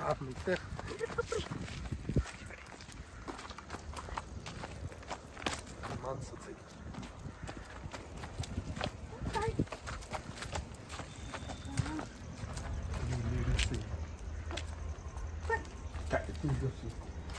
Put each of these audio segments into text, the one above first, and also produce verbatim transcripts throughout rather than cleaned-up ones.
हात निघते माणसाचं काय तू बसून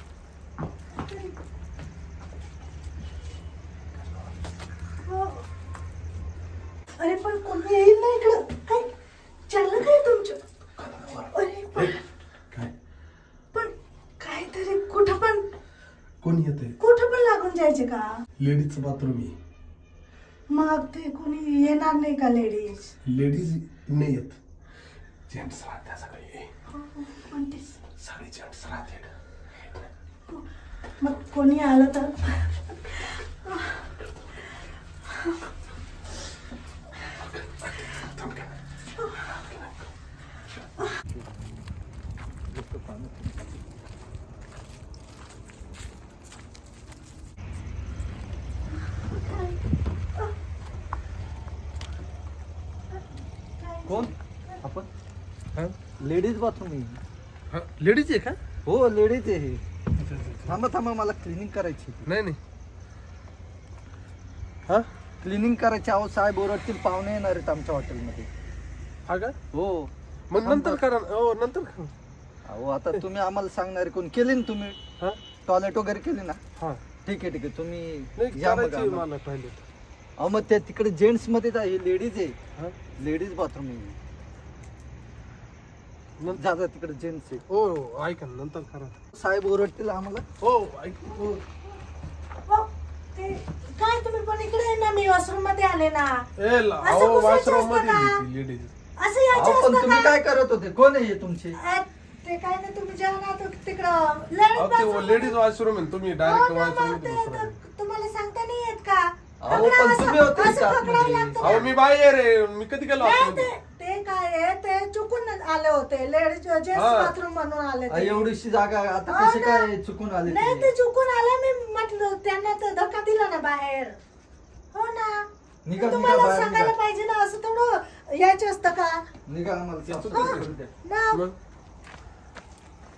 अरे पण कोणी येईल ना इकडं काय चाललं काय तुमचं अरे पण काय पण काहीतरी कुठं पण कोण येते कुठं पण लागून जायचे का लेडीजचं बाथरूम आहे मग ते कोणी येणार नाही का लेडीज लेडीज नाही येत जेंट्स राहत्या सगळे म्हणतेस सगळे जेंट्स राहते मग कोणी आलं तर कोण आपण हा लेडीज बाथरूम आहे. लेडीज आहे का हो लेडीज आहे हे. थांबा थांबा मला क्लिनिंग करायची नाही नाही हा क्लिनिंग करायची. अहो साहेब ओरडतील, पाहुणे येणार आहेत आमच्या हॉटेलमध्ये. हा का हो मग नंतर करा ना. हो नंतर करा अहो आता तुम्ही आम्हाला सांगणार कोण केली ना तुम्ही हा टॉयलेट वगैरे केली ना. हा ठीक आहे ठीक आहे तुम्ही नाही या मग करायची आम्हाला. मला पहिले अहो मग त्या तिकडे जेंट्स मध्ये जा, हे लेडीज आहे. हा लेडीज बाथरूम आहे. नंतर जा जा तिकडे जेंट्स आहे. हो हो, ऐका ना नंतर करा साहेब ओरडतील आम्हाला. हो ऐक हो हो, ते काय तुम्ही पण इकडे आहे ना मी वॉशरूम मध्ये आले ना ए ला असं अहो घुसायचं वॉशरूम असतं का? मध्ये लेडीज असं यायचं अहो पण असतं तुम्ही का काय करत होते, कोण आहे हे तुमचे? अ, ते काय नाही तुम्ही जेव्हा ना तो तिकडं अहो ladies ते bathroom लेडीज वॉशरूम आहे तुम्ही हो डायरेक्ट ना, वॉशरूम मग मध्ये ते बसरा तर तुम्हाला सांगता नाही येत का अहो, पकडा पण असं- तुम्ही होते असं का पकडावं आतमध्ये? लागतं अहो ना. मी बाहेर आहे मी कधी गेलो नाही, आतमध्ये? ते ते काय आहे ते चुकून आले होते लेडीज जेंट्स हा. बाथरूम म्हणून आले अहो, ते. एवढीशी जागा आता हो कशी ना. काय चुकून आले नाही ते? ते चुकून आले मी म्हटलं त्यांना तर धक्का दिला ना बाहेर हो ना निघा, निघा, तुम्हाला बाहेर सांगायला निघा. पाहिजे ना असं थोडं यायचं असतं का निघा आम्हाला ते साफ चुकलं. करून द्या. ना मग